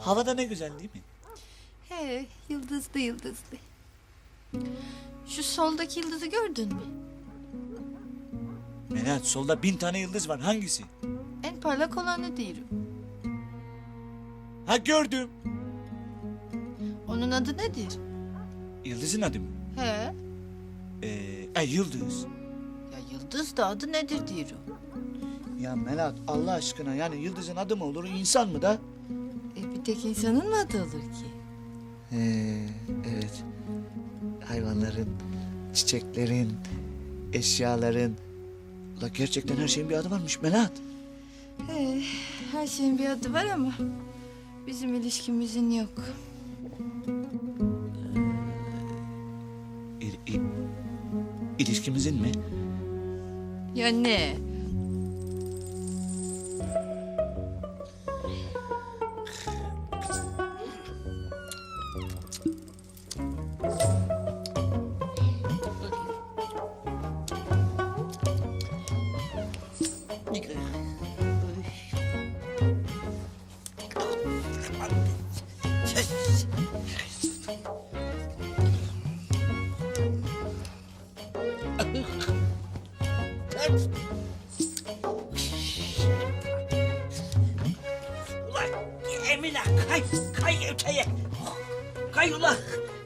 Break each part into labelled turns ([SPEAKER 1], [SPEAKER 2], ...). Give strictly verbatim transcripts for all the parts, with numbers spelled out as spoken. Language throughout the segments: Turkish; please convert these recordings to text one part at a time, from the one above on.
[SPEAKER 1] Havada ne güzel değil mi?
[SPEAKER 2] He, yıldızlı yıldızlı. Şu soldaki yıldızı gördün mü?
[SPEAKER 1] Melahat, solda bin tane yıldız var. Hangisi?
[SPEAKER 2] En parlak olanı diyorum.
[SPEAKER 1] Ha, gördüm.
[SPEAKER 2] Onun adı nedir?
[SPEAKER 1] Yıldızın adı mı?
[SPEAKER 2] He.
[SPEAKER 1] Ee, e, yıldız.
[SPEAKER 2] Ya yıldız da adı nedir diyorum.
[SPEAKER 1] Ya Melahat, Allah aşkına, yani yıldızın adı mı olur, insan mı da?
[SPEAKER 2] E bir tek insanın mı adı olur ki?
[SPEAKER 1] Ee, evet. Hayvanların, çiçeklerin, eşyaların... La gerçekten her şeyin bir adı varmış Melahat.
[SPEAKER 2] He, her şeyin bir adı var ama bizim ilişkimizin yok.
[SPEAKER 1] İl, il, ilişkimizin mi?
[SPEAKER 2] Ya ne?
[SPEAKER 3] Ulan Emine kay, kay öteye. Kay ulan.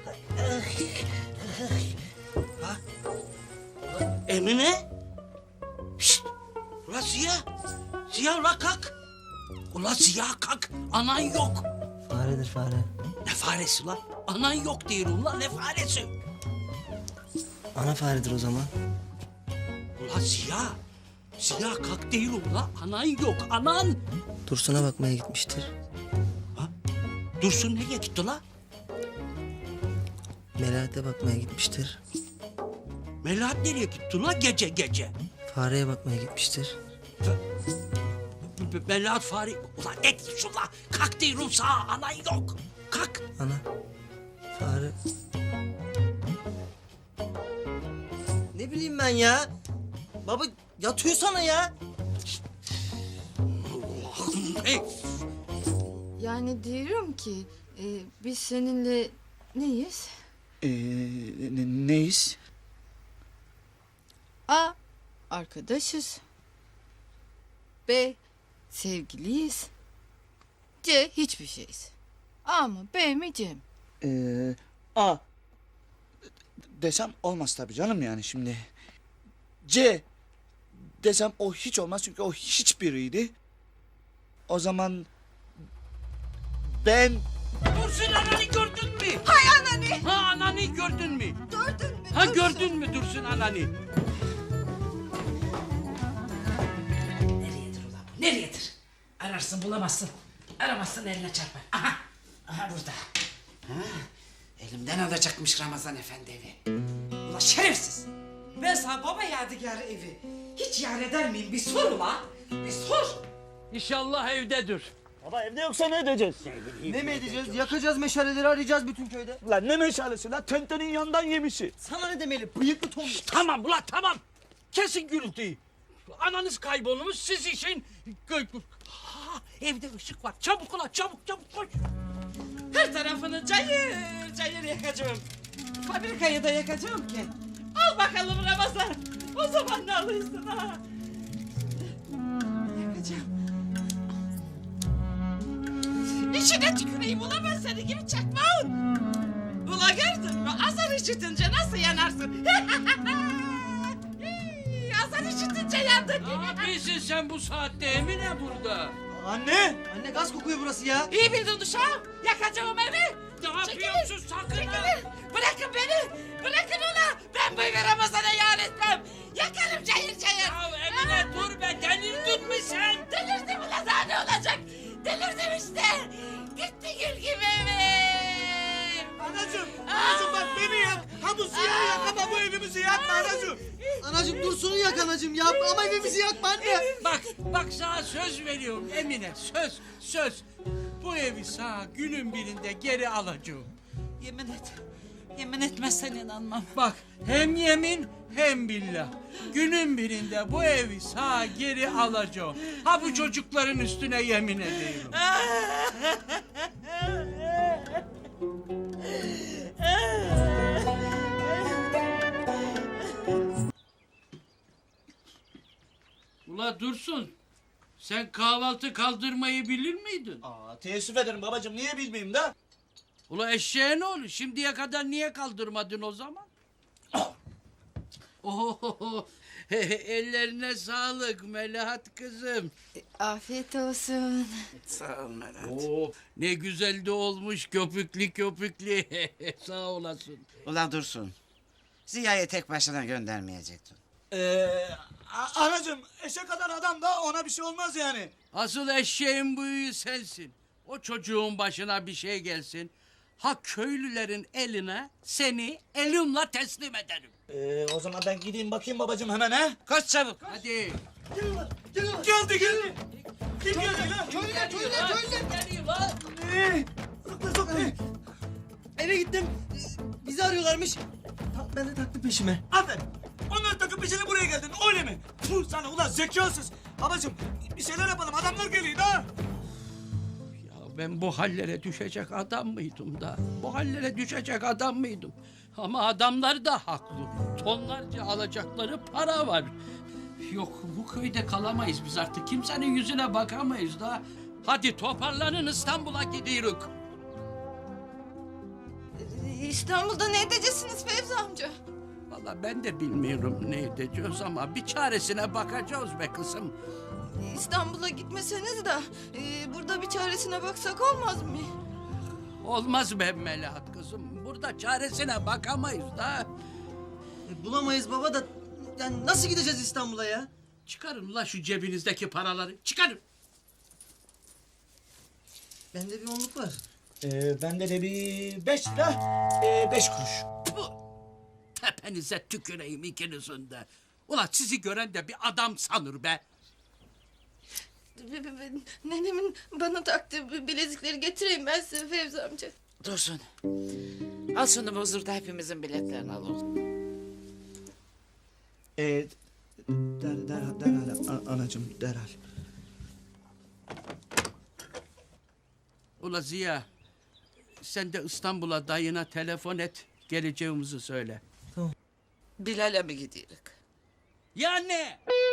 [SPEAKER 3] Ha? Ulan Emine? Şşt! Ulan Ziya. Ziya ulan kalk. Ulan Ziya kalk. Anan yok.
[SPEAKER 4] Faredir fare.
[SPEAKER 3] Ne faresi ulan? Anan yok diyorum ulan, ne faresi?
[SPEAKER 4] Ana faredir o zaman.
[SPEAKER 3] Ulan Ziya. Ziya kalk değil ulan. Anan yok, anan.
[SPEAKER 4] Dursun'a bakmaya gitmiştir.
[SPEAKER 3] Dursun nereye gitti ulan?
[SPEAKER 4] Melahat'e bakmaya gitmiştir.
[SPEAKER 3] Melahat nereye gitti ulan gece gece?
[SPEAKER 4] Fareye bakmaya gitmiştir.
[SPEAKER 3] B- b- Melahat fare... Ulan ne diyorsun ulan? Kalk diyorum sana, anan yok. Kalk.
[SPEAKER 4] Ana. Fare. Ne bileyim ben ya. Baba yatıyor sana ya.
[SPEAKER 3] Allah'ım hey.
[SPEAKER 2] Yani diyorum ki e, biz seninle neyiz?
[SPEAKER 1] Ee, ne, neyiz?
[SPEAKER 2] A. Arkadaşız. B. Sevgiliyiz. C. Hiçbir şeyiz. A mı B mi C mi?
[SPEAKER 1] Ee, A. Desem olmaz tabii canım, yani şimdi. C. Desem o hiç olmaz çünkü o hiçbiriydi. O zaman ben...
[SPEAKER 3] Dursun ananı gördün mü? Hay ananı. Ha ananı gördün mü?
[SPEAKER 2] Gördün mü?
[SPEAKER 3] Ha gördün mü Dursun ananı? Nereyedir ulan bu? Nereyedir? Ararsın bulamazsın. Aramazsın eline çarpar. Aha. Aha burada. Ha. Elimden alacakmış Ramazan Efendi evi. Ulan şerefsiz. Ben sana baba yadigarı evi hiç yar eder miyim? Bir sor ulan. Bir sor. İnşallah evdedir.
[SPEAKER 1] Baba evde yoksa ne edeceğiz?
[SPEAKER 4] Ne mi edeceğiz? Yakacağız meşaleleri, arayacağız bütün köyde.
[SPEAKER 1] Lan ne meşalesi lan, tentenin yandan yemişi.
[SPEAKER 4] Sana ne demeli? Bıyıklı Tom.
[SPEAKER 3] Tamam ulan tamam. Kesin gürültüyü. Ananız kaybolmuş, siz işin... Ha, evde ışık var. Çabuk ulan çabuk çabuk koş. Her tarafını cayır cayır yakacağım. Fabrikayı da yakacağım ki. Al bakalım Ramazan. O zaman ne alırsın ha? Yakacağım. İçine tüküreyim ulan ben seni gibi çakmağın. Ula gördün mü? Azar işitince nasıl yanarsın? Azar işitince yandın.
[SPEAKER 5] Ne yapıyorsun sen bu saatte Emine burada?
[SPEAKER 1] Anne!
[SPEAKER 4] Anne gaz kokuyor burası ya.
[SPEAKER 3] İyi bildin uşağım. Yakacağım evi.
[SPEAKER 5] Ne yapıyorsun sakın ha?
[SPEAKER 3] Çekilin. Bırakın beni. Bırakın ulan. Ben bu evi Ramazan'a yar etmem. Yakarım cayır cayır.
[SPEAKER 5] Ya Emine dur be, delirdin mi sen?
[SPEAKER 3] Delirdim ulan, daha ne olacak? Delirdim işte. Gitti gül gibi evim.
[SPEAKER 1] Anacığım! Anacığım bak beni yak! Ha bu siyahı yak ama bu evimizi yakma anacığım!
[SPEAKER 4] Anacığım Dursun'u yak anacığım ya. Ama evimizi yakma anne.
[SPEAKER 5] Bak, bak sana söz veriyorum Emine, söz, söz. Bu evi sana günün birinde geri alacağım.
[SPEAKER 3] Yemin et. Yemin etmezsen inanmam.
[SPEAKER 5] Bak, hem yemin hem billah. Günün birinde bu evi sana geri alacağım. Ha bu çocukların üstüne yemin ediyorum. Ula Dursun. Sen kahvaltı kaldırmayı bilir miydin?
[SPEAKER 1] Aa, teessüf ederim babacığım, niye bilmeyeyim da?
[SPEAKER 5] Ula eşeğe ne olur? Şimdiye kadar niye kaldırmadın o zaman? Oho, ellerine sağlık Melahat kızım.
[SPEAKER 2] Afiyet olsun.
[SPEAKER 5] Sağ ol Melahat. Oo, ne güzel de olmuş köpüklü köpüklü. Sağ olasın.
[SPEAKER 6] Ulan Dursun. Ziya'yı tek başına göndermeyecektin.
[SPEAKER 1] Ee, a- anacığım, eşe kadar adam da ona bir şey olmaz yani.
[SPEAKER 5] Asıl eşeğin büyüğü sensin. O çocuğun başına bir şey gelsin. Ha köylülerin eline seni elimle teslim ederim.
[SPEAKER 1] Ee, o zaman ben gideyim bakayım babacığım hemen ha.
[SPEAKER 6] Koş çabuk.
[SPEAKER 5] Hadi.
[SPEAKER 1] Geldi geldi. Kim geldi lan?
[SPEAKER 5] Köylüler, köylüler, köylüler. Geliyor lan.
[SPEAKER 1] Ee, sokma sokma.
[SPEAKER 4] Eve gittim. Ee, Bizi arıyorlarmış. Ta- Ben de taktım peşime.
[SPEAKER 1] Aferin. Onları takıp peşine buraya geldin öyle mi? Puh sana ulan zekasız. Babacığım bir şeyler yapalım, adamlar geliyor da.
[SPEAKER 5] Ya ben bu hallere düşecek adam mıydım da? Bu hallere düşecek adam mıydım? Ama adamlar da haklı. Tonlarca alacakları para var. Yok bu köyde kalamayız biz artık. Kimsenin yüzüne bakamayız da. Hadi toparlanın İstanbul'a gidiyoruz.
[SPEAKER 2] İstanbul'da ne edeceksiniz Fevzi amca?
[SPEAKER 5] Vallahi ben de bilmiyorum ne edeceğiz ama bir çaresine bakacağız be kızım.
[SPEAKER 2] İstanbul'a gitmeseniz de e, burada bir çaresine baksak olmaz mı?
[SPEAKER 5] Olmaz be Melahat kızım. Burada çaresine bakamayız da.
[SPEAKER 4] E, bulamayız baba da yani nasıl gideceğiz İstanbul'a ya?
[SPEAKER 5] Çıkarın la şu cebinizdeki paraları. Çıkarın.
[SPEAKER 4] Bende bir onluk var.
[SPEAKER 1] Ee, bende de bir beş lira, ee, beş kuruş.
[SPEAKER 5] Bu tepenize tüküreyim ikinizin de. Ulan sizi gören de bir adam sanır be.
[SPEAKER 2] B- b- b- Nenemin bana taktığı b- bilezikleri getireyim ben size Fevzi amca.
[SPEAKER 6] Dursun. Al şunu bozdur da hepimizin biletlerini al oğlum.
[SPEAKER 1] Ee, der, derhal, derhal, a- anacığım derhal.
[SPEAKER 5] Ula Ziya, sen de İstanbul'a dayına telefon et, geleceğimizi söyle.
[SPEAKER 6] Bilal'e mi gidiyoruz?
[SPEAKER 5] Ya ne?